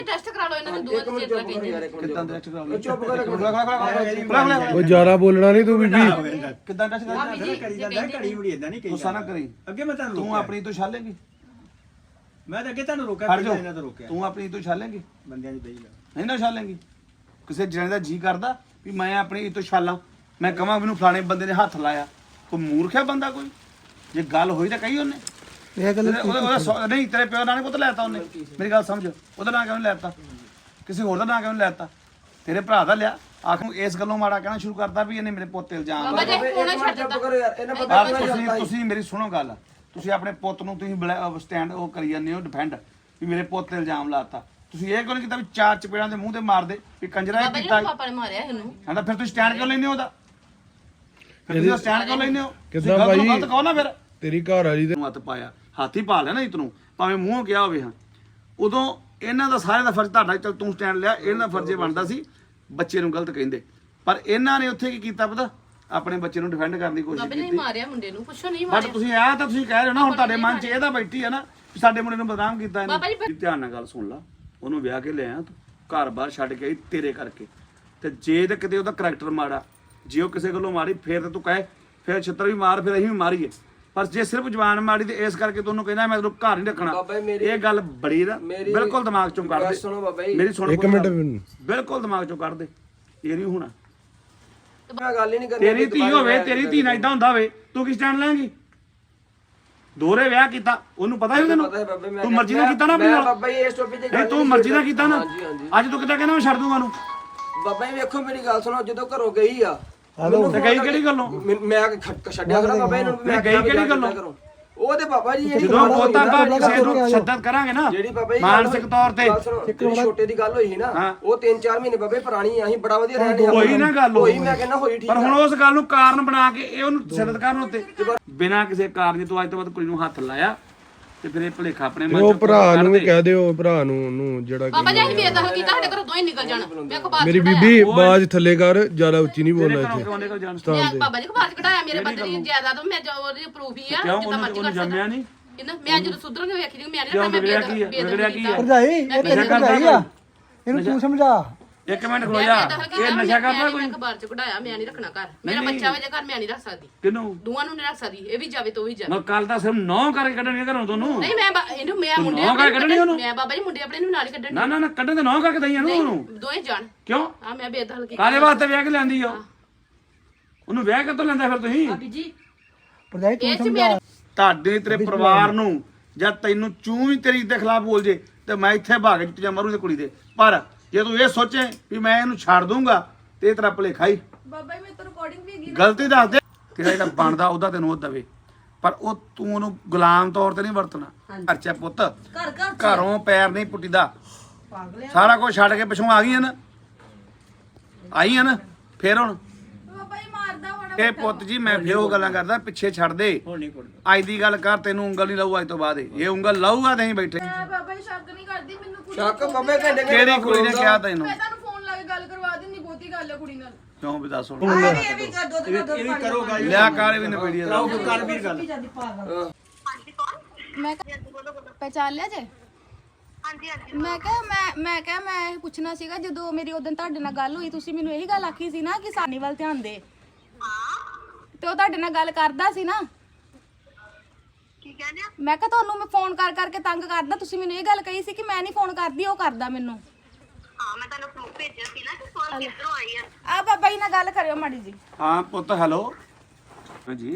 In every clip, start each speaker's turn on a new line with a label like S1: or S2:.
S1: Test ਕਰਾ ਲਓ ਇਹਨਾਂ ਦੇ ਦੋਵਾਂ ਦੇ ਚੇਤਾ ਕਹਿੰਦੇ
S2: ਕਿੱਦਾਂ ਟੈਸਟ ਕਰਾ ਲਓ
S3: ਚੁੱਪ ਕਰ
S4: ਉਹ ਜ਼ਿਆਦਾ ਬੋਲਣਾ ਨਹੀਂ ਤੂੰ ਬੀਬੀ
S2: ਕਿੱਦਾਂ ਟੈਸਟ ਕਰਾ
S3: ਕਰੀ ਜਾਂਦਾ ਘੜੀ ਮੁੜੀ ਇਦਾਂ ਨਹੀਂ ਕਹੀ
S2: ਗੁੱਸਾ ਨਾ ਕਰੀ
S3: ਅੱਗੇ ਮੈਂ ਤੁਹਾਨੂੰ
S2: ਤੂੰ ਆਪਣੀ ਤੋਂ ਛਾਲੇਂਗੀ
S3: ਮੈਂ ਤਾਂ ਅੱਗੇ ਤੁਹਾਨੂੰ ਰੋਕਿਆ
S2: ਹਟ
S3: ਪਹਿਲਾਂ
S2: ਜਾ
S3: ਇਹਨਾਂ ਤੋਂ ਰੋਕਿਆ
S2: ਤੂੰ ਆਪਣੀ ਤੋਂ ਛਾਲੇਂਗੀ
S3: ਬੰਦਿਆਂ ਦੀ ਬਈ
S2: ਨਹੀਂ ਨਾ ਛਾਲੇਂਗੀ ਕਿਸੇ ਜਣੇ ਦਾ ਜੀ ਕਰਦਾ ਵੀ ਮੈਂ ਆਪਣੀ ਤੋਂ ਛਾਲਾਂ ਮੈਂ ਕਹਾਂ ਮੈਨੂੰ ਫਲਾਣੇ ਬੰਦੇ ਨੇ ਹੱਥ ਲਾਇਆ ਕੋਈ ਮੂਰਖ ਹੈ ਬੰਦਾ ਕੋਈ ਜੇ ਗੱਲ ਹੋਈ ਤਾਂ ਕਹੀ ਉਹਨੇ
S4: ਇਹ ਗੱਲ
S2: ਉਹਦਾ ਨਹੀਂ ਤੇਰੇ ਪਿਓ ਨਾਲ ਪੁੱਤ ਲੈਤਾ ਉਹਨੇ ਮੇਰੀ ਗੱਲ ਸਮਝ ਉਹਦਾ ਨਾਂ ਕਿਉਂ ਨਹੀਂ ਲੈਤਾ ਕਿਸੇ ਹੋਰ ਦਾ ਨਾਂ ਕਿਉਂ ਨਹੀਂ ਲੈਤਾ ਤੇਰੇ ਭਰਾ ਦਾ ਲਿਆ ਆਖੂ ਇਸ ਗੱਲੋਂ ਮਾੜਾ ਕਹਿਣਾ ਸ਼ੁਰੂ ਕਰਤਾ ਵੀ ਇਹਨੇ ਮੇਰੇ ਪੁੱਤ ਤੇ ਇਲਜ਼ਾਮ
S1: ਬਾਬਾ ਜੀ ਕੋਣਾ ਛੱਡ ਦਿੱਤਾ
S3: ਕਰੋ ਯਾਰ ਇਹਨਾਂ ਪਤਾ
S2: ਤੁਸੀਂ ਮੇਰੀ ਸੁਣੋ ਗੱਲ ਤੁਸੀਂ ਆਪਣੇ ਪੁੱਤ ਨੂੰ ਤੁਸੀਂ ਸਟੈਂਡ ਉਹ ਕਰੀ ਜਾਂਦੇ ਹੋ ਡਿਫੈਂਡ ਵੀ ਮੇਰੇ ਪੁੱਤ ਤੇ ਇਲਜ਼ਾਮ ਲਾਤਾ ਤੁਸੀਂ ਇਹ ਕਿਉਂ ਨਹੀਂ ਕੀਤਾ ਵੀ ਚਾਰ ਚਪੇੜਾਂ ਦੇ ਮੂੰਹ ਤੇ ਮਾਰਦੇ ਵੀ ਕੰਜਰਾ ਇਹ
S1: ਬਾਬਾ ਜੀ
S2: ਕੀਤਾ
S1: ਪਾਪਾ ਨੇ ਮਾਰਿਆ ਇਹਨੂੰ
S2: ਕਹਿੰਦਾ ਫਿਰ ਤੁਸੀਂ ਸਟੈਂਡ ਕਿਉਂ ਲੈਂਦੇ ਹੋ ਉਹਦਾ ਫਿਰ ਤੁਸੀਂ ਸਟੈਂਡ ਕਿਉਂ ਲੈਂਦੇ ਹੋ
S4: ਕਿੱਦਾਂ
S2: ਤੁਸੀਂ
S4: ਬਾਈ?
S2: ਗਲਤ ਕਹੋ ਨਾ ਫਿਰ
S4: ਤੇਰੀ ਘਰ ਵਾਲੀ ਤੇ
S2: ਹੱਥ ਪਾਇਆ ਹਾਥੀ ਪਾ ਲਿਆ ਨਾ ਇਤ ਨੂੰ ਭਾਵੇਂ ਮੂੰਹੋਂ ਕਿਹਾ ਹੋਵੇ ਹਾਂ ਉਦੋਂ ਇਹਨਾਂ ਦਾ ਸਾਰਿਆਂ ਦਾ ਫਰਜ਼ ਤੁਹਾਡਾ ਚਲ ਤੂੰ ਸਟੈਂਡ ਲਿਆ ਇਹਨਾਂ ਦਾ ਫਰਜ਼ ਇਹ ਬਣਦਾ ਸੀ ਬੱਚੇ ਨੂੰ ਗਲਤ ਕਹਿੰਦੇ ਪਰ ਇਹਨਾਂ ਨੇ ਉੱਥੇ ਕੀ ਕੀਤਾ ਪਤਾ ਆਪਣੇ ਬੱਚੇ ਨੂੰ ਡਿਫੈਂਡ ਕਰਨ ਦੀ ਕੋਸ਼ਿਸ਼
S1: ਬਾਬਾ ਜੀ
S2: ਕੀਤੀ
S1: ਮਾਰਿਆ ਮੁੰਡੇ ਨੂੰ ਪੁੱਛੋ ਨਹੀਂ
S2: ਬਟ
S1: ਮਾਰਿਆ
S2: ਤੁਸੀਂ ਆਹ ਤਾਂ ਤੁਸੀਂ ਕਹਿ ਰਹੇ ਹੋ ਨਾ ਹੁਣ ਤੁਹਾਡੇ ਮਨ 'ਚ ਇਹਦਾ ਬੈਠੀ ਹੈ ਨਾ ਵੀ ਸਾਡੇ ਮੁੰਡੇ ਨੂੰ ਬਦਨਾਮ ਕੀਤਾ
S1: ਬਾਬਾ ਜੀ,
S2: ਇਹਨੇ ਧਿਆਨ ਨਾਲ ਗੱਲ ਸੁਣ ਲਾ ਉਹਨੂੰ ਵਿਆਹ ਕੇ ਲਿਆਇਆ ਤੂੰ ਘਰ-ਬਾਰ ਛੱਡ ਕੇ ਆਈ ਤੇਰੇ ਕਰਕੇ ਤੇ ਜੇ ਤੇ ਕਿਤੇ ਉਹਦਾ ਕਰੈਕਟਰ ਮਾੜਾ ਜੇ ਉਹ ਕਿਸੇ ਗੱਲੋਂ ਮਾਰੀ ਫੇਰ ਤਾਂ ਤੂੰ ਕਹੇ ਫੇਰ ਛਿੱਤਰ ਵੀ ਮਾਰ ਫਿਰ ਅਸੀਂ ਵੀ ਮਾਰੀਏ ਪਰ ਜੇ ਸਿਰਫ ਜਵਾਨ ਮਾੜੀ ਤੇ ਇਸ ਕਰਕੇ ਤੂੰ ਉਹਨੂੰ ਕਹਿੰਦਾ ਮੈਂ ਤੈਨੂੰ ਘਰ ਨਹੀਂ ਰੱਖਣਾ
S3: ਬਾਬਾ ਜੀ ਮੇਰੀ
S2: ਇਹ ਗੱਲ ਬੜੀ ਨਾ ਬਿਲਕੁਲ ਦਿਮਾਗ ਚੋਂ ਕੱਢ ਦੇ
S3: ਸੁਣੋ ਬਾਬਾ ਜੀ
S2: ਮੇਰੀ ਸੁਣ
S4: ਇੱਕ ਮਿੰਟ ਮੈਨੂੰ
S2: ਬਿਲਕੁਲ ਦਿਮਾਗ ਚੋਂ ਕੱਢ ਦੇ ਇਹ ਨਹੀਂ ਹੋਣਾ
S3: ਮੈਂ ਗੱਲ ਹੀ ਨਹੀਂ ਕਰਨੀ
S2: ਤੇਰੀ ਧੀ ਹੋਵੇ ਤੇਰੀ ਧੀ ਨਾਲ ਇਦਾਂ ਹੁੰਦਾ ਹੋਵੇ ਤੂੰ ਕੀ ਸਟੈਂਡ ਲੈਂਗੀ ਦੋਹਰੇ ਵਿਆਹ ਕੀਤਾ ਉਹਨੂੰ ਪਤਾ ਹੀ ਉਹਨੂੰ
S3: ਪਤਾ ਹੈ ਬਾਬਾ ਮੈਂ
S2: ਤੂੰ ਮਰਜ਼ੀ ਨਾਲ ਕੀਤਾ ਨਾ ਆਪਣੀ ਨਾਲ
S3: ਬਾਬਾ ਜੀ ਇਸ ਟੋਪਿਕ ਤੇ
S2: ਨਹੀਂ ਤੂੰ ਮਰਜ਼ੀ ਨਾਲ ਕੀਤਾ ਨਾ
S3: ਹਾਂਜੀ ਹਾਂਜੀ
S2: ਅੱਜ ਤੂੰ ਕਿੱਦਾਂ ਕਹਿੰਦਾ ਮੈਂ ਛੱਡ ਦੂੰਗਾ ਉਹਨੂੰ
S3: ਬਾਬਾ ਜੀ ਵੇਖੋ ਮੇਰੀ ਗੱਲ ਸੁਣੋ ਜਦੋਂ ਘਰੋਂ ਗਈ ਆ
S2: ਤੇ ਗਈ ਕਿਹੜੀ ਗੱਲੋਂ
S3: ਮੈਂ ਛੱਡਿਆ ਕਰਾਂ ਬਾਬਾ ਇਹਨਾਂ ਨੂੰ
S2: ਮੈਂ ਗਈ ਕਿਹੜੀ ਗੱਲੋਂ
S3: ਉਹ ਤੇ ਬਾਬਾ ਜੀ ਜਿਹੜੀ
S2: ਜਦੋਂ ਬਹੁਤਾ ਕਿਸੇ ਨੂੰ ਸ਼ਿੱਦਤ ਕਰਾਂਗੇ ਨਾ
S3: ਜਿਹੜੀ ਬਾਬਾ ਜੀ
S2: ਮਾਨਸਿਕ ਤੌਰ ਤੇ
S3: ਜਿਹੜੀ ਛੋਟੇ ਦੀ ਗੱਲ ਹੋਈ ਸੀ ਨਾ ਉਹ 3-4 ਮਹੀਨੇ ਬਾਬੇ ਪੁਰਾਣੀ ਆ ਅਸੀਂ ਬੜਾ ਵਧੀਆ ਰਹਿੰਦੇ
S2: ਹੋਈ ਨਾ ਗੱਲ
S3: ਹੋਈ ਮੈਂ ਕਹਿੰਦਾ ਹੋਈ ਠੀਕ
S2: ਪਰ ਹੁਣ ਉਸ ਗੱਲ ਨੂੰ ਕਾਰਨ ਬਣਾ ਕੇ ਇਹ ਉਹਨੂੰ ਸ਼ਿੱਦਤ ਕਰਨ ਉੱਤੇ ਬਿਨਾਂ ਕਿਸੇ ਕਾਰਨ ਤੋਂ ਅੱਜ ਤੋਂ ਬਾਅਦ ਕੁੜੀ ਨੂੰ ਹੱਥ ਲਾਇਆ ਤੇ ਫਿਰ ਇਹ ਭੁਲੇਖਾ ਆਪਣੇ ਮਨ
S4: ਉਹ
S2: ਚ
S4: ਭਰਾ ਨੂੰ ਵੀ ਕਹਿ ਦਿਓ ਭਰਾ ਨੂੰ ਉਹਨੂੰ ਜਿਹੜਾ
S1: ਬਾਬਾ ਜੀ ਅਸੀਂ ਬੇਦਖਲ ਕੀਤਾ ਸਾਡੇ ਘਰੋਂ ਦੋਵੇਂ ਨਿਕਲ ਜਾਣ ਮੈਂ ਕੋ ਬਾਹਰ
S4: ਮੇਰੀ ਬੀਬੀ ਆਵਾਜ਼ ਥੱਲੇ ਕਰ ਜ਼ਿਆਦਾ ਉੱਚੀ ਨਹੀਂ ਬੋਲਣਾ ਇੱਥੇ
S2: ਕਿਉਂ ਨਿਕਲ ਜਾਣ
S1: ਮੈਂ ਬਾਬਾ ਜੀ ਕੋ ਬਾਹਰ ਕਢਾਇਆ ਮੇਰੇ ਬੰਦੇ ਦੀ ਜਾਇਦਾਦ ਮੈਂ ਜੋ ਉਹਦੀ ਪ੍ਰੂਫ ਹੀ ਆ
S2: ਕਿਉਂ
S1: ਜਿੱਦਾਂ ਮਰਜ਼ੀ
S2: ਉਹਨੂੰ
S1: ਕਰ
S2: ਜੰਮਿਆ ਨਹੀਂ
S1: ਇਹਨਾਂ ਮੈਂ ਜਦੋਂ ਸੁਧਰਾਂਗੇ ਵੇਖੀ ਨਹੀਂ ਮੈਂ
S2: ਕਿਉਂ
S1: ਨਹੀਂ
S2: ਵਿਗੜਿਆ ਕੀ ਹੈ ਵਿਗੜਿਆ ਕੀ ਹੈ
S5: ਭਰਜਾਈ
S2: ਨਸ਼ਾ ਕਰਦਾ ਕੋਈ?
S5: ਇਹਨੂੰ ਤੂੰ ਸਮਝਾ
S2: ਇੱਕ ਮਿੰਟ ਖਲੋ ਜਾ ਇਹ ਨਸ਼ਾ ਕਰਦਾ ਕੋਈ
S1: ਅਖਬਾਰ ਚ ਕਢਾਇਆ ਮੈਂ ਨਹੀਂ ਰੱਖਣਾ ਘਰ ਮੇਰਾ ਬੱਚਾ ਵਜੇ ਘਰ ਮੈਂ ਨਹੀਂ ਰੱਖ ਸਕਦੀ
S2: ਕਿਨੂੰ
S1: ਦੋਵਾਂ ਨੂੰ ਨਹੀਂ ਰੱਖ ਸਕਦੀ ਇਹ ਵੀ ਜਾਵੇ ਤੋ ਵੀ ਜਾਵੇ
S2: ਮੈਂ ਕੱਲ ਤਾਂ ਸਿਰਫ 9 ਕਰਕੇ ਕੱਢਣੀ ਘਰੋਂ ਤੁਹਾਨੂੰ
S1: ਨਹੀਂ ਮੈਂ ਇਹਨੂੰ ਮੈਂ ਮੁੰਡੇ
S2: ਨੌਂ ਕਰਕੇ ਕੱਢਣੀ ਉਹਨੂੰ?
S1: ਮੈਂ ਬਾਬਾ ਜੀ ਮੁੰਡੇ ਆਪਣੇ ਨੂੰ ਨਾਲ ਹੀ ਕੱਢਣ
S2: ਨਾ ਨਾ ਨਾ ਕੱਢਣ ਤੇ 9 ਕਰਕੇ ਦਈਆਂ ਨੂੰ ਉਹਨੂੰ
S1: ਦੋਵੇਂ ਜਾਣ
S2: ਕਿਉਂ
S1: ਆ ਮੈਂ ਬੇਦਖਲ ਕੀਤੀ
S2: ਕਾਹਦੇ ਵਾਸਤੇ ਵਿਆਹ ਕੇ ਲੈਂਦੀ ਆ ਉਹਨੂੰ ਵਿਆਹ ਕਿੱਥੋਂ ਲੈਂਦਾ ਫਿਰ ਤੁਸੀਂ
S1: ਭਾਬੀ ਜੀ
S5: ਭਰਜਾਈ ਤੂੰ
S1: ਇਹ ਚ
S5: ਸਮਝਾ
S1: ਮੇਰੇ
S2: ਤੁਹਾਡੇ ਤੇਰੇ ਪਰਿਵਾਰ ਨੂੰ ਜਾਂ ਤੈਨੂੰ ਚੂੰ ਵੀ ਤੇਰੀ ਦੇ ਖਿਲਾਫ ਬੋਲ ਜੇ ਤੇ ਮੈਂ ਇੱਥੇ ਭਾਗ ਚ ਜਾਂ ਮਰੂ ਤੇ ਕੁੜੀ ਦੇ ਪਰ ਜੇ ਤੂੰ ਇਹ ਸੋਚੇ ਵੀ ਮੈਂ ਇਹਨੂੰ ਛੱਡ ਦੂੰਗਾ ਤੇ ਇਹ ਤੇਰਾ ਭੁਲੇਖਾ ਹੀ
S6: ਬਾਬਾ ਜੀ ਮੈਂ ਤਾਂ ਰਿਕਾਰਡਿੰਗ ਵੀ ਹੈਗੀ
S2: ਗਲਤੀ ਦੱਸ ਦੇ ਤੇਰਾ ਜਿਹੜਾ ਬਣਦਾ ਉਹਦਾ ਤੈਨੂੰ ਉਹ ਦਵੇ ਪਰ ਉਹ ਤੂੰ ਉਹਨੂੰ ਗੁਲਾਮ ਤੌਰ ਤੇ ਨਹੀਂ ਵਰਤਣਾ ਅੱਛਾ ਪੁੱਤ ਘਰੋਂ ਪੈਰ ਨਹੀਂ ਪੁੱਟੀਦਾ ਸਾਰਾ ਕੁਝ ਛੱਡ ਕੇ ਪਿਛੋਂ ਆ ਗਈਆਂ ਨਾ ਆਈਆਂ ਨਾ ਫੇਰ ਹੁਣ
S6: ਬਾਬਾ ਜੀ ਮਾਰਦਾ ਹੋਣਾ
S2: ਇਹ ਪੁੱਤ ਜੀ ਮੈਂ ਫੇਰ ਉਹ ਗੱਲਾਂ ਕਰਦਾ ਪਿੱਛੇ ਛੱਡ ਦੇ ਅੱਜ ਦੀ ਗੱਲ ਕਰ ਤੈਨੂੰ ਉਂਗਲ ਨਹੀਂ ਲਾਊ ਅੱਜ ਤੋਂ ਬਾਅਦ ਇਹ ਉਂਗਲ ਲਾਊਗਾ ਤੇ ਅਸੀਂ ਬੈਠੇ
S6: ਮੈਂ ਬਾਬਾ ਜੀ ਸ਼ੱਕ ਨਹੀਂ ਕਰਦੀ ਮੈਨੂੰ ਕੁੜੀ
S3: ਸ਼ੱਕ ਬਾਬੇ ਘੰਟੇ
S2: ਕਿਹੜੀ ਕੁੜੀ ਨੇ ਕਿਹਾ ਤੈਨੂੰ
S6: ਮੈਂ ਤੁਹਾਨੂੰ ਫੋਨ ਲਾ ਕੇ ਗੱਲ ਕਰਵਾ ਦਿੰਦੀ ਬਹੁਤੀ ਗੱਲ ਹੈ ਕੁੜੀ ਨਾਲ
S2: ਕਿਉਂ ਵੀ ਦੱਸ ਹੁਣ
S3: ਇਹ ਵੀ ਕਰੋ ਗੱਲ
S2: ਲਿਆ ਕਾਰ ਵੀ ਨਵੇੜੀ ਦਾ
S3: ਕਰ ਵੀਰ ਗੱਲ
S6: ਮੈਂ ਪਹਿਚਾਨ ਲਿਆ ਜੇ ਮੈਂ ਕਿਹਾ ਮੈਂ ਇਹ ਪੁੱਛਣਾ ਸੀਗਾ ਜਦੋਂ ਮੇਰੀ ਉਦੋਂ ਤੁਹਾਡੇ ਨਾਲ ਗੱਲ ਹੋਈ ਤੁਸੀਂ ਮੈਨੂੰ ਇਹੀ ਗੱਲ ਆਖੀ ਸੀ ਨਾ ਕਿ ਸਾਨੀ ਵੱਲ ਧਿਆਨ ਦੇ ਤੇ ਉਹ ਤੁਹਾਡੇ ਨਾਲ ਗੱਲ ਕਰਦਾ ਸੀ ਨਾ
S7: ਕੀ ਕਹਿੰਦੇ
S6: ਮੈਂ ਕਿਹਾ ਤੁਹਾਨੂੰ ਮੈਂ ਫੋਨ ਕਰ ਕਰਕੇ ਤੰਗ ਕਰਦਾ ਤੁਸੀਂ ਮੈਨੂੰ ਇਹ ਗੱਲ ਕਹੀ ਸੀ ਕਿ ਮੈਂ ਨਹੀਂ ਫੋਨ ਕਰਦੀ ਉਹ ਕਰਦਾ ਮੈਨੂੰ
S7: ਹਾਂ ਮੈਂ ਤੁਹਾਨੂੰ ਪ੍ਰੂਫ ਭੇਜਿਆ ਸੀ ਨਾ ਕਿ ਕਾਲ ਕਿੱਧਰੋਂ ਆਈ ਆ
S6: ਆ ਬਾਬਾ ਜੀ ਨਾਲ ਗੱਲ ਕਰਿਓ ਮਾੜੀ ਜੀ
S2: ਹਾਂ ਪੁੱਤ ਹੈਲੋ ਹਾਂਜੀ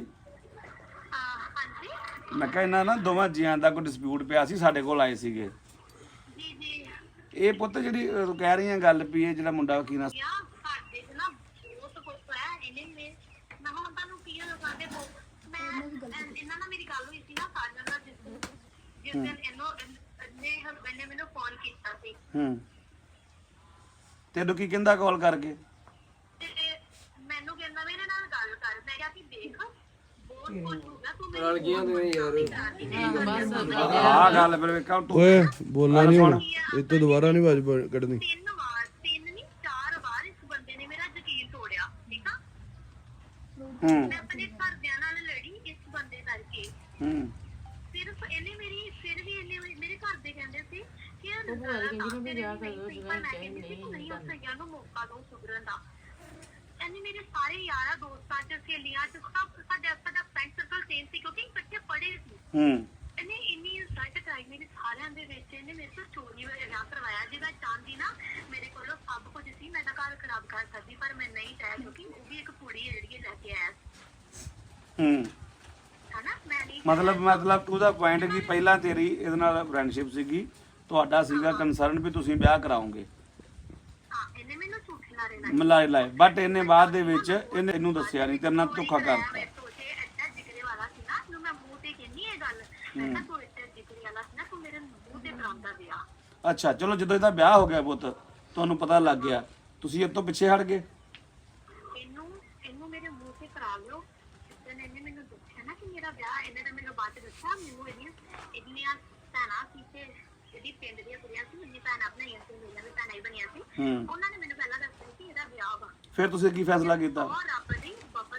S7: ਹਾਂਜੀ
S2: ਮੈਂ ਕਿਹਾ ਇਹਨਾਂ ਨਾ ਦੋਵਾਂ ਜੀਆਂ ਦਾ ਕੋਈ ਡਿਸਪਿਊਟ ਪਿਆ ਸੀ ਸਾਡੇ ਕੋਲ ਆਏ ਸੀਗੇ
S7: ਜੀ ਜੀ
S2: ਇਹ ਪੁੱਤ ਜਿਹੜੀ ਤੂੰ ਕਹਿ ਰਹੀ ਆ ਗੱਲ ਵੀ ਇਹ ਜਿਹੜਾ ਮੁੰਡਾ ਵਕੀਲ
S7: ਯਾ ਸਾਡੇ ਚ ਨਾ ਬਹੁਤ ਕੁਝ ਹੋਇਆ ਇਹਨੇ ਮੈਂ ਹੁਣ ਤੁਹਾਨੂੰ ਕੀ ਲਗਾਉਂਦੇ ਹੋ ਮੈਂ ਇਹਨਾਂ ਨਾਲ ਮੇਰੀ ਗੱਲ ਹੋਈ ਸੀ ਨਾ ਸਾਜਨ ਨਾਲ ਜਿਸ ਦਿਨ ਇਹਨੇ ਮੈਨੂੰ ਫੋਨ ਕੀਤਾ ਸੀ
S2: ਹੂੰ ਤੈਨੂੰ ਕੀ ਕਹਿੰਦਾ ਕਾਲ ਕਰਕੇ
S7: ਤੇ ਮੈਨੂੰ ਕਹਿੰਦਾ ਮੇਰੇ ਨਾਲ ਗੱਲ ਕਰ ਮੈਂ ਕਿਹਾ ਕਿ ਦੇਖ ਬਹੁਤ ਕੁਝ ਹੋ ਗਿਆ ਤੂੰ ਮੇਰੀ
S3: ਗਿਆ ਤੁਸੀਂ ਯਾਰ
S2: ਆਹ ਗੱਲ ਫਿਰ ਵੇਖਾਂ ਤੂੰ
S4: ਓਏ ਬੋਲਣਾ ਨਹੀਂ ਹੁਣ ਇਹ ਤੋਂ ਦੁਬਾਰਾ ਨਹੀਂ ਆਵਾਜ਼ ਕੱਢਣੀ
S7: 3 ਨਹੀਂ 4 ਵਾਰ ਇਸ ਬੰਦੇ ਨੇ ਮੇਰਾ ਯਕੀਨ ਤੋੜਿਆ ਠੀਕ ਆ
S2: ਹੂੰ
S7: ਮੈਂ ਆਪਣੇ ਘਰਦਿਆਂ ਨਾਲ ਲੜੀ ਇਸ ਬੰਦੇ ਕਰਕੇ
S2: ਹੂੰ
S7: ਸਿਰਫ ਇਹਨੇ ਮੇਰੀ ਫਿਰ ਵੀ ਇਹਨੇ ਮੇਰੇ ਘਰ ਦੇ ਕਹਿੰਦੇ ਸੀ ਕਿ ਉਹ ਭੂਆ ਕਹਿੰਦੀ ਨਾ ਵੀ ਵਿਆਹ ਕਰ ਲਓ ਜਿਹੜਾ ਚਾਹੀਦਾ ਨਹੀਂ ਉੱਥੇ ਗਿਆ ਨੂੰ ਮੌਕਾ ਦੋ ਸੁਧਰਨ ਦਾ। ਇਹਨੇ ਮੇਰੇ ਸਾਰੇ ਯਾਰਾਂ ਦੋਸਤਾਂ ਚ ਸਹੇਲੀਆਂ ਚ ਸਭ ਸਾਡਾ ਫਰੈਂਡ ਸਰਕਲ ਸੇਮ ਸੀ ਕਿਉਂਕਿ ਇਕੱਠੇ ਪੜ੍ਹੇ ਸੀ। ਇਹਨੇ ਇੰਨੀ ਇਨਸਲਟ ਕਰਾਈ ਮੇਰੇ ਸਾਰਿਆਂ ਦੇ ਵਿੱਚ। ਇਹਨੇ ਮੇਰੇ ਤੋਂ ਚੋਰੀ ਵਾਲਾ ਵਿਆਹ ਕਰਵਾਇਆ ਜਿਹਦਾ ਚਾਹੁੰਦੀ ਨਾ ਮੇਰੇ ਕੋਲੋਂ ਸਭ ਕੁਝ ਸੀ। ਮੈਂ ਤਾਂ ਘਰ ਖਰਾਬ ਕਰ ਸਕਦੀ ਪਰ ਮੈਂ ਨਹੀਂ ਚਾਹਿਆ ਕਿਉਂਕਿ ਉਹ ਵੀ ਇੱਕ ਕੁੜੀ ਹੈ ਜਿਹੜੀ ਲੈ ਕੇ ਆਇਆ ਹਨਾ। ਮੈਂ ਨਹੀਂ
S2: ਮਤਲਬ ਟੂ ਦਾ ਪੁਆਇੰਟ ਕਿ ਪਹਿਲਾਂ ਤੇਰੀ ਇਹਦੇ ਨਾਲ ਫਰੈਂਡਸ਼ਿਪ ਸੀਗੀ, ਤੁਹਾਡਾ ਸੀਗਾ ਕੰਸਰਨ ਵੀ ਤੁਸੀਂ ਵਿਆਹ ਕਰਾਓਗੇ,
S7: ਇਹਨੇ ਮੈਨੂੰ ਝੂਠਣਾ ਰਹਿਣਾ
S2: ਮਿਲਾਏ ਲਾਏ, ਬਟ ਇਹਨੇ ਬਾਅਦ ਦੇ ਵਿੱਚ ਇਹਨੂੰ ਦੱਸਿਆ ਨਹੀਂ, ਤੇਰੇ ਨਾਲ ਧੋਖਾ ਕਰਤਾ।
S7: ਮੈਂ ਸੋਚੇ ਐਡਾ ਜਿਗਰੇ ਵਾਲਾ ਸੀ ਨਾ ਨੂੰ ਮੈਂ ਮੂੰਹ ਤੇ ਕਹਿੰਨੀ ਇਹ ਗੱਲ। ਮੈਂ ਕਿਹਾ ਤੂੰ ਐਡਾ ਜਿਗਰੇ ਵਾਲਾ ਸੀ ਨਾ ਤੂੰ ਮੇਰੇ ਮੂੰਹ ਤੇ ਕਰਾਉਂਦਾ ਵਿਆਹ।
S2: ਅੱਛਾ ਚਲੋ ਜਦੋਂ ਇਹਦਾ ਵਿਆਹ ਹੋ ਗਿਆ ਪੁੱਤ, ਤੁਹਾਨੂੰ ਪਤਾ ਲੱਗ ਗਿਆ, ਤੁਸੀਂ ਇਹ ਤੋਂ ਪਿੱਛੇ ਹਟ ਗਏ।
S7: ਇਹਨੂੰ ਮੇਰੇ ਮੂੰਹ ਤੇ ਕਰਾ ਲਿਓ। ਜਿੱਦਣ ਇਹਨੇ ਮੈਨੂੰ ਦੱਸਿਆ ਨਾ ਕਿ ਮੇਰਾ ਵਿਆਹ, ਇਹਨੇ ਤਾਂ ਮੈਨੂੰ ਬਾਅਦ ਚ ਦੱਸਿਆ ਮੈਨੂੰ ਇਹਦੀਆਂ ਭੈਣਾਂ ਸੀ ਤੇ ਇਹਦੀ ਪਿੰਡ ਦੀਆਂ ਕੁੜੀਆਂ ਸੀ, ਮੇਰੀ ਭੈਣਾਂ ਬਣਾਈਆਂ ਸੀ, ਮੇਰੀਆਂ ਵੀ ਭੈਣਾਂ ਹੀ ਬਣੀਆਂ ਸੀ। ਉਹਨਾਂ ਨੇ ਮੈਨੂੰ ਪਹਿਲਾਂ ਦੱਸਿਆ ਕਿ ਇਹਦਾ ਵਿਆਹ ਵਾ।
S2: ਫਿਰ ਤੁਸੀਂ ਕੀ ਫੈਸਲਾ ਕੀਤਾ?
S7: ਔਰ ਰੱਬ ਦੀ ਬਾਬਾ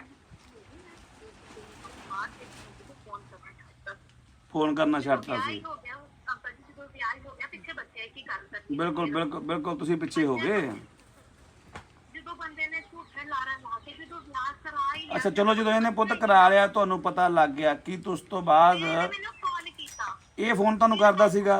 S2: ਫੋਨ ਕਰਨਾ ਛੱਡਤਾ ਸੀ।
S7: ਹੋ ਗਿਆ ਅੰਕਲ ਜੀ ਜਦੋਂ ਵਿਆਹ ਹੋ ਗਿਆ ਪਿੱਛੇ ਬੱਚੇ ਕੀ ਕਰ ਸਕਦੇ।
S2: ਬਿਲਕੁਲ ਤੁਸੀਂ ਪਿੱਛੇ ਹੋ ਗਏ।
S7: ਜਦੋਂ ਬੰਦੇ ਨੇ ਝੂਠੇ ਲਾਰਾ ਲਾ ਕੇ ਜਦੋਂ ਵਿਆਹ ਕਰਾ ਹੀ
S2: ਅੱਛਾ ਚਲੋ ਜਦੋਂ ਇਹਨੇ ਪੁੱਤ ਕਰਾ ਲਿਆ, ਤੁਹਾਨੂੰ ਪਤਾ ਲੱਗ ਗਿਆ ਕਿ ਉਸ ਤੋਂ ਬਾਅਦ
S7: ਮੈਨੂੰ ਫੋਨ ਕੀਤਾ।
S2: ਇਹ ਫੋਨ ਤੁਹਾਨੂੰ ਕਰਦਾ ਸੀਗਾ?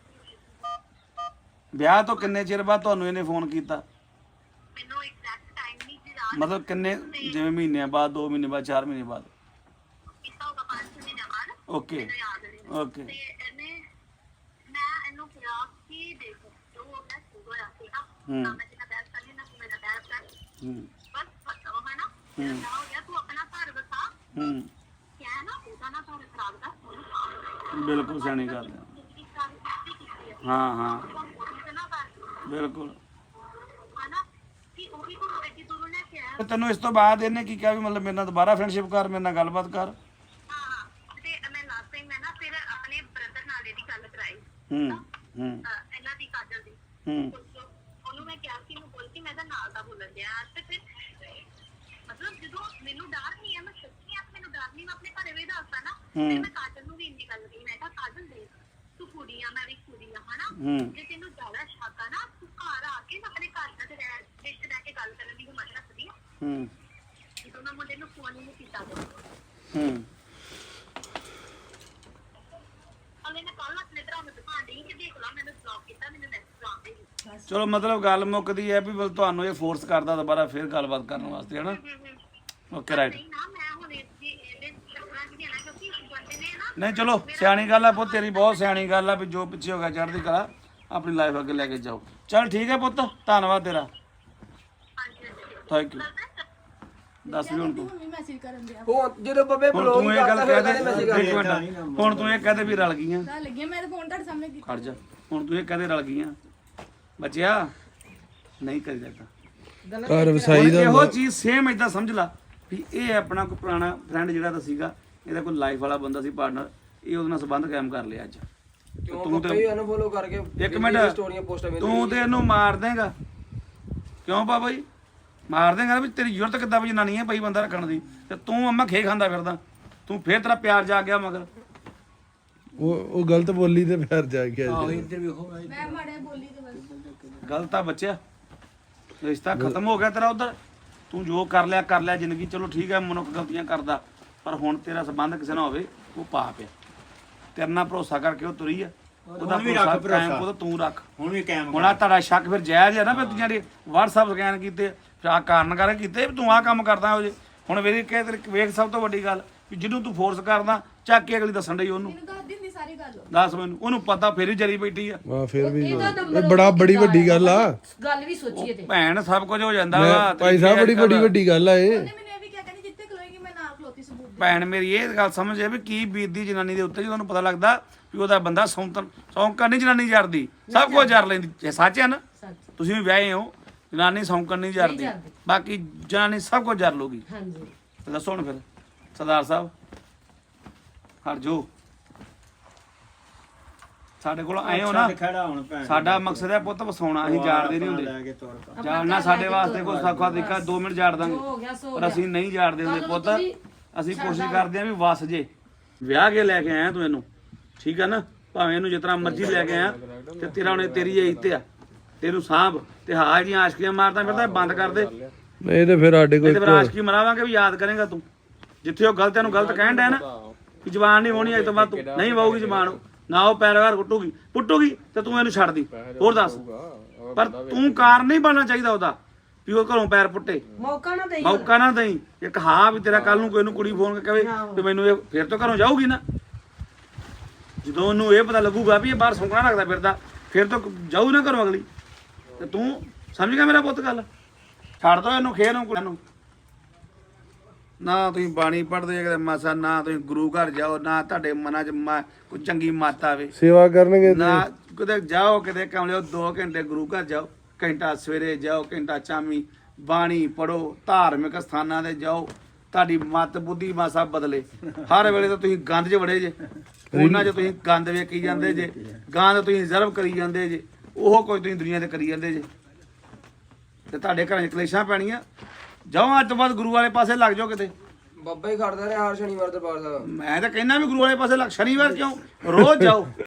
S2: ਵਿਆਹ ਤੋਂ ਕਿੰਨੇ ਚਿਰ ਬਾਅਦ ਤੁਹਾਨੂੰ ਇਹਨੇ ਫੋਨ ਕੀਤਾ?
S7: ਮੈਨੂੰ ਐਗਜ਼ੈਕਟ ਟਾਈਮ ਨਹੀਂ ਯਾਦ
S2: ਮਤਲਬ ਕਿੰਨੇ, ਜਿਵੇਂ ਮਹੀਨਿਆਂ ਬਾਅਦ, 2 ਮਹੀਨੇ ਬਾਅਦ, 4 ਮਹੀਨੇ ਬਾਅਦ?
S7: ਕੀਤਾ ਹੋਗਾ 5 ਮਹੀਨੇ ਬਾਅਦ।
S2: ਓਕੇ
S7: ਯਾਦ ਨਹੀਂ।
S2: ਓਕੇ
S7: ਤੇ ਮੈਂ ਇਹਨੂੰ ਕਿਹਾ ਕਿ ਦੇਖ ਜੋ ਮੈਂ ਹੋਇਆ ਸੀ ਨਾ ਮੈਂ ਜਿੰਨਾ ਬੈਠ ਕਰ ਲੈਣਾ ਤੂੰ ਮੇਰਾ ਬੈਠ ਕਰ ਬਸ ਪਤਾ ਹੋ ਨਾ ਨਾ ਹੋ ਗਿਆ ਤੂੰ ਆਪਣਾ ਘਰ ਵਸਾ ਕਿਆ ਨਾ ਉਹਦਾ ਨਾ ਘਰ ਖਰਾਬ ਕਰ।
S2: ਬਿਲਕੁਲ ਸਿਆਣੀ ਗੱਲ ਹੈ। ਹਾਂ ਬਿਲਕੁਲ। ਤੇ ਤੈਨੂੰ ਇਸ ਤੋਂ ਬਾਅਦ ਇਹਨੇ ਕੀ ਕਿਹਾ ਵੀ ਮਤਲਬ ਮੇਰੇ ਨਾਲ ਦੁਬਾਰਾ ਫਰੈਂਡਸ਼ਿਪ ਕਰ, ਮੇਰੇ ਨਾਲ ਗੱਲਬਾਤ ਕਰ?
S7: ਇਹਨਾਂ ਦੀ ਕਾਜਲ ਦੀ ਉਹਨੂੰ ਮੈਂ ਕਿਹਾ ਕਿ ਬੋਲ ਕੇ ਮੈਂ ਤਾਂ ਨਾਲ ਦਾ ਬੋਲਣ ਦਿਆ ਤੇ ਫਿਰ ਮਤਲਬ ਜਦੋਂ ਮੈਨੂੰ ਡਰ ਨਹੀਂ ਹੈ, ਮੈਂ ਸੱਚੀ ਆ ਮੈਨੂੰ ਡਰ ਨਹੀਂ, ਮੈਂ ਆਪਣੇ ਘਰੇ ਵੀ ਦੱਸਦਾ ਨਾ ਫਿਰ ਮੈਂ ਕਾਜਲ ਨੂੰ ਵੀ ਇੰਨੀ ਗੱਲ ਕਹੀ। ਮੈਂ ਕਿਹਾ ਕਾਜਲ ਦੇਖ ਤੂੰ ਕੁੜੀ ਆ ਮੈਂ ਵੀ ਕੁੜੀ ਆ ਹਨਾ, ਜੇ ਤੈਨੂੰ ਜ਼ਿਆਦਾ ਸ਼ੱਕ ਆ ਨਾ ਤੂੰ ਘਰ ਆ ਕੇ ਆਪਣੇ ਘਰ ਦਾ ਰਿਸ਼ਤੇ ਲੈ ਕੇ ਗੱਲ ਕਰਨ ਦੀ ਹਿੰਮਤ ਰੱਖਦੀ ਆ। ਜਦੋਂ ਮੈਂ ਮੁੰਡੇ ਨੂੰ ਫੋਨ ਹੀ ਨਹੀਂ ਕੀਤਾ
S2: ਚਲੋ ਮਤਲਬ ਗੱਲ ਮੁੱਕਦੀ ਹੈ ਵੀ ਤੁਹਾਨੂੰ ਇਹ ਫੋਰਸ ਕਰਦਾ ਦੁਬਾਰਾ ਫਿਰ ਗੱਲਬਾਤ ਕਰਨ ਵਾਸਤੇ, ਹਨਾ? Okay right. ਨਹੀਂ ਚਲੋ ਸਿਆਣੀ ਗੱਲ ਆ ਪੁੱਤ, ਤੇਰੀ ਬਹੁਤ ਸਿਆਣੀ ਗੱਲ ਆ ਵੀ ਜੋ ਪਿੱਛੇ ਹੋ ਗਿਆ ਚੜ੍ਹਦੀ ਕਲਾ, ਆਪਣੀ ਲਾਈਫ ਅੱਗੇ ਲੈ ਕੇ ਜਾਓ। ਚਲ ਠੀਕ ਹੈ ਪੁੱਤ, ਧੰਨਵਾਦ ਤੇਰਾ, ਥੈਂਕ ਯੂ। ਦੱਸ ਵੀ ਹੁਣ ਤੂੰ
S6: ਮੈਸੇਜ ਕਰਨ ਦਿਆ
S3: ਹੁਣ ਜਦੋਂ ਬੱਬੇ
S2: ਹੁਣ
S3: ਬਲੌਗ
S2: ਤੂੰ ਇਹ ਗੱਲ ਕਹਿ ਦੇ,
S3: ਮੈਸੇਜ
S2: ਇੱਕ ਮਿੰਟ, ਹੁਣ ਤੂੰ ਇਹ ਕਹਦੇ ਵੀ ਰਲ ਗਈਆਂ।
S6: ਗੱਲ ਲੱਗੀ ਮੇਰੇ ਫੋਨ ਤੁਹਾਡੇ ਸਾਹਮਣੇ ਕੀਤਾ।
S2: ਖੜ ਜਾ, ਹੁਣ ਤੂੰ ਇਹ ਕਹਦੇ ਰਲ ਗਈਆਂ ਬੱਚਿਆ, ਨਹੀਂ ਕਰੀ ਜਾਂਦਾ
S4: ਘਰ ਵਸਾਈ ਦਾ
S2: ਇਹੋ ਚੀਜ਼ ਸੇਮ ਇਦਾਂ ਸਮਝ ਲਾ ਵੀ ਇਹ ਆਪਣਾ ਕੋਈ ਪੁਰਾਣਾ ਫਰੈਂਡ ਜਿਹੜਾ ਤਾਂ ਸੀਗਾ, ਇਹਦਾ ਕੋਈ ਲਾਈਫ ਵਾਲਾ ਬੰਦਾ ਸੀ ਪਾਰਟਨਰ, ਇਹ ਉਹਦੇ ਨਾਲ ਸੰਬੰਧ ਕਾਇਮ ਕਰ ਲਿਆ ਅੱਜ।
S3: ਤੂੰ ਤੇ ਅਨਫੋਲੋ ਕਰਕੇ
S2: ਇੱਕ ਮਿੰਟ,
S3: ਸਟੋਰੀਆਂ ਪੋਸਟਾਂ
S2: ਤੂੰ ਤੇ ਇਹਨੂੰ ਮਾਰ ਦੇਗਾ ਕਿਉਂ ਬਾਬਾ ਜੀ? ਮਾਰ ਦੇਗਾ ਵੀ ਤੇਰੀ ਜ਼ਰੂਰਤ ਕਿੱਦਾਂ ਵੀ ਜਨਾਨੀ ਹੈ ਪਈ ਬੰਦਾ ਰੱਖਣ ਦੀ, ਤੇ ਤੂੰ ਅੰਮਾ ਖੇ ਖਾਂਦਾ ਫਿਰਦਾ, ਤੂੰ ਫੇਰ ਤੇਰਾ ਪਿਆਰ ਜਾ ਗਿਆ ਮਗਰ।
S4: ਉਹ ਗਲਤ ਬੋਲੀ ਤੇ ਫਿਰ ਜਾ ਗਿਆ।
S6: ਮੈਂ ਮਾੜੇ ਬੋਲੀ ਤੇ ਬਸ
S2: ਗਲਤ ਆ ਬੱਚਿਆ, ਰਿਸ਼ਤਾ ਖਤਮ ਹੋ ਗਿਆ ਤੇਰਾ ਉਧਰ। ਤੂੰ ਜੋ ਕਰ ਲਿਆ ਜ਼ਿੰਦਗੀ, ਚਲੋ ਠੀਕ ਹੈ, ਮਨੁੱਖ ਗਲਤੀਆਂ ਕਰਦਾ, ਪਰ ਹੁਣ ਤੇਰਾ ਸੰਬੰਧ ਕਿਸੇ ਨਾਲ ਹੋਵੇ ਉਹ ਪਾਪ ਆ। ਤੇਰੇ ਨਾਲ ਭਰੋਸਾ ਕਰਕੇ ਉਹ ਤੁਰੀ ਆ, ਉਹਦਾ ਭਰੋਸਾ ਕਾਇਮ ਉਹਦਾ ਤੂੰ ਰੱਖ। ਹੁਣ ਵੀ ਕਾਇਮ। ਹੁਣ ਆ ਤੁਹਾਡਾ ਸ਼ੱਕ ਫਿਰ ਜਾਇਜ਼ ਹੈ ਨਾ, ਫਿਰ ਤੁਸੀਂ ਜਿਹੜੇ WhatsApp ਸਕੈਨ ਕੀਤੇ, ਫਿਰ ਆ ਕਾਰਨ ਕਰਕੇ ਕੀਤੇ ਵੀ ਤੂੰ ਆਹ ਕੰਮ ਕਰਦਾ ਹੋ ਜੇ। ਹੁਣ ਵੇਖ ਕੇ ਵੇਖ, ਸਭ ਤੋਂ ਵੱਡੀ ਗੱਲ ਵੀ ਜਿਹਨੂੰ ਤੂੰ ਫੋਰਸ ਕਰਦਾ ਚੱਕ ਕੇ ਅਗਲੀ ਦੱਸਣ ਡਈ ਉਹਨੂੰ।
S6: ਮੈਨੂੰ ਦੱਸ ਦਿੰਦੀ ਸਾਰੀ ਗੱਲ।
S2: ਦੱਸ ਮੈਨੂੰ, ਉਹਨੂੰ ਪਤਾ ਫਿਰ ਹੀ ਜਰੀ ਬੈਠੀ ਆ।
S4: ਵਾਹ ਫਿਰ ਵੀ ਇਹ ਬੜੀ ਵੱਡੀ ਗੱਲ ਆ।
S1: ਗੱਲ ਵੀ ਸੋਚੀਏ ਤੇ
S2: ਭੈਣ ਸਭ ਕੁਝ ਹੋ ਜਾਂਦਾ ਵਾ
S4: ਭਾਈ ਸਾਹਿਬ, ਬੜੀ ਵੱਡੀ ਗੱਲ ਆ ਇਹ।
S6: ਉਹਨੇ ਮੈਨੂੰ ਇਹ ਵੀ ਕਿਹਾ ਕਹਿੰਦੀ ਜਿੱਥੇ ਖਲੋਏਗੀ ਮੈਂ ਨਾਲ ਖਲੋਤੀ ਸਬੂਤ ਦੇ।
S2: ਭੈਣ ਮੇਰੀ ਇਹ ਗੱਲ ਸਮਝੇ ਵੀ ਕੀ ਬੀਤਦੀ ਜਨਾਨੀ ਦੇ ਉੱਤੇ, ਜਦੋਂ ਉਹਨੂੰ ਪਤਾ ਲੱਗਦਾ ਵੀ ਉਹਦਾ ਬੰਦਾ ਸੌਂਕਣ ਨਹੀਂ ਜਨਾਨੀ ਜਰਦੀ, ਸਭ ਕੁਝ ਜਰ ਲੈਂਦੀ। ਇਹ ਸੱਚ ਹੈ ਨਾ? ਤੁਸੀਂ ਵੀ ਵਿਆਹੇ ਹੋ, ਜਨਾਨੀ ਸੌਂਕਣ ਨਹੀਂ ਜਰਦੀ, ਬਾਕੀ ਜਨਾਨੀ ਸਭ ਕੁਝ ਜਰ ਲੂਗੀ।
S1: ਹਾਂਜੀ
S2: ਦੱਸੋ ਹੁਣ ਫਿਰ ਸਰਦਾਰ ਸਾਹਿਬ, ਹਰ ਜੋ ਸਾਡੇ ਕੋਲ ਆਏ ਹੋ ਨਾ, ਸਾਡਾ ਮਕਸਦ ਹੈ ਪੁੱਤ ਵਸਾਉਣਾ, ਅਸੀਂ ਜਾਣਦੇ ਨਹੀਂ ਹੁੰਦੇ। ਜਾਣਨਾ ਸਾਡੇ ਵਾਸਤੇ ਕੋਈ ਸੌਖਾ ਤਰੀਕਾ 2 ਮਿੰਟ ਜਾੜ ਦਾਂਗੇ, ਪਰ ਅਸੀਂ ਨਹੀਂ ਜਾਣਦੇ ਹੁੰਦੇ ਪੁੱਤ। ਅਸੀਂ ਕੋਸ਼ਿਸ਼ ਕਰਦੇ ਹਾਂ ਵੀ ਵਸ ਜੇ। ਵਿਆਹ ਕੇ ਲੈ ਕੇ ਆਇਆ ਤੂੰ ਇਹਨੂੰ, ਠੀਕ ਹੈ ਨਾ? ਭਾਵੇਂ ਇਹਨੂੰ ਜਿਸ ਤਰ੍ਹਾਂ ਮਰਜ਼ੀ ਲੈ ਕੇ ਆ ਤੇ ਤੇਰਾ ਉਹਨੇ ਤੇਰੀ ਇੱਜ਼ਤ ਆ, ਤੈਨੂੰ ਸਾਂਭ ਤੇ ਹਾਂ ਜੀਆਂ ਆਸ਼ਕੀਆਂ ਮਾਰਦਾ ਫਿਰਦਾ ਬੰਦ ਕਰ ਦੇ।
S4: ਨਹੀਂ ਤੇ ਫਿਰ ਸਾਡੇ
S2: ਤੇ ਫਿਰ
S4: ਕੋਲ
S2: ਆਸ਼ਕੀ ਮਰਾਵਾਂਗੇ ਵੀ ਯਾਦ ਕਰੇਗਾ ਤੂੰ, ਜਿੱਥੇ ਉਹ ਗਲਤ ਨੂੰ ਗਲਤ ਕਹਿਣ ਡਿਆ ਨਾ ਕਿ ਜ਼ਬਾਨ ਨਹੀਂ ਹੋਣੀ ਅੱਜ ਤੋਂ ਬਾਅਦ ਤੂੰ ਨਹੀਂ ਵਾਹੂਗੀ ਜ਼ਬਾਨ, ਨਾ ਉਹ ਪੈਰਵਾਰ ਪੁੱਟੂਗੀ ਤੇ ਤੂੰ ਇਹਨੂੰ ਛੱਡ ਦੀ। ਹੋਰ ਦੱਸ, ਪਰ ਤੂੰ ਕਾਰਨ ਨਹੀਂ ਬਣਨਾ ਚਾਹੀਦਾ ਉਹਦਾ ਵੀ ਉਹ ਘਰੋਂ ਪੈਰ ਪੁੱਟੇ, ਮੌਕਾ ਨਾ ਦੇਈ। ਇੱਕ ਹਾਂ ਵੀ ਤੇਰਾ ਕੱਲ ਨੂੰ ਕੋਈ ਨੂੰ ਕੁੜੀ ਫੋਨ ਕਰਕੇ ਕਹੇ ਵੀ ਮੈਨੂੰ ਇਹ ਫਿਰ ਤੋਂ ਘਰੋਂ ਜਾਊਗੀ ਨਾ, ਜਦੋਂ ਉਹਨੂੰ ਇਹ ਪਤਾ ਲੱਗੂਗਾ ਵੀ ਇਹ ਬਾਹਰ ਸੌਂਕਣਾ ਰੱਖਦਾ ਫਿਰਦਾ ਫਿਰ ਤੋਂ ਜਾਊ ਨਾ ਘਰੋਂ ਅਗਲੀ। ਤੇ ਤੂੰ ਸਮਝ ਗਿਆ ਮੇਰਾ ਪੁੱਤ ਗੱਲ, ਛੱਡ ਦੋ ਇਹਨੂੰ ਖੇਰ ਨੂੰ ਕੁੜੀ ਨੂੰ। ਨਾ ਤੁਸੀਂ ਬਾਣੀ ਪੜ੍ਹਦੇ ਕਿਤੇ ਮਾਸਾ, ਨਾ ਤੁਸੀਂ ਗੁਰੂ ਘਰ ਜਾਓ, ਨਾ ਤੁਹਾਡੇ ਮਨਾਂ 'ਚ ਕੋਈ ਚੰਗੀ ਮੱਤ ਆਵੇ,
S4: ਸੇਵਾ ਕਰਨਗੇ
S2: ਨਾ ਕਿਤੇ ਜਾਓ ਕਿਤੇ ਕਮਲਿਓ 2 ਘੰਟੇ ਗੁਰੂ ਘਰ ਜਾਓ, ਘੰਟਾ ਸਵੇਰੇ ਜਾਓ, ਘੰਟਾ ਸ਼ਾਮੀ ਬਾਣੀ ਪੜੋ, ਧਾਰਮਿਕ ਸਥਾਨਾਂ ਤੇ ਜਾਓ, ਤੁਹਾਡੀ ਮੱਤ ਬੁੱਧੀ ਮਾਸਾ ਬਦਲੇ। ਹਰ ਵੇਲੇ ਤਾਂ ਤੁਸੀਂ ਗੰਦ 'ਚ ਵੜੇ ਜੇ, ਉਹਨਾਂ 'ਚ ਤੁਸੀਂ ਗੰਦ ਵੇਖੀ ਜਾਂਦੇ ਜੇ, ਗੰਦ ਤੁਸੀਂ ਰਿਜ਼ਰਵ ਕਰੀ ਜਾਂਦੇ ਜੇ, ਉਹ ਕੋਈ ਤੁਸੀਂ ਦੁਨੀਆ ਤੇ ਕਰੀ ਜਾਂਦੇ ਜੇ, ਤੇ ਤੁਹਾਡੇ ਘਰਾਂ 'ਚ ਕਲੇਸ਼ਾਂ ਪੈਣੀਆਂ। ਜਾਓ ਅੱਜ ਤੋਂ ਬਾਅਦ ਗੁਰੂ ਵਾਲੇ ਪਾਸੇ ਲੱਗ ਜਾਓ ਕਿਤੇ।
S3: ਬਾਬਾ ਹੀ ਖੜਦਾ ਰਿਹਾ ਹਰ ਸ਼ਨੀਵਾਰ ਦਰਬਾਰ ਸਾਹਿਬ।
S2: ਮੈਂ ਤਾਂ ਕਹਿੰਦਾ ਵੀ ਗੁਰੂ ਵਾਲੇ ਪਾਸੇ ਲੱਗ, ਸ਼ਨੀਵਾਰ ਕਿਉਂ, ਰੋਜ਼ ਜਾਓ।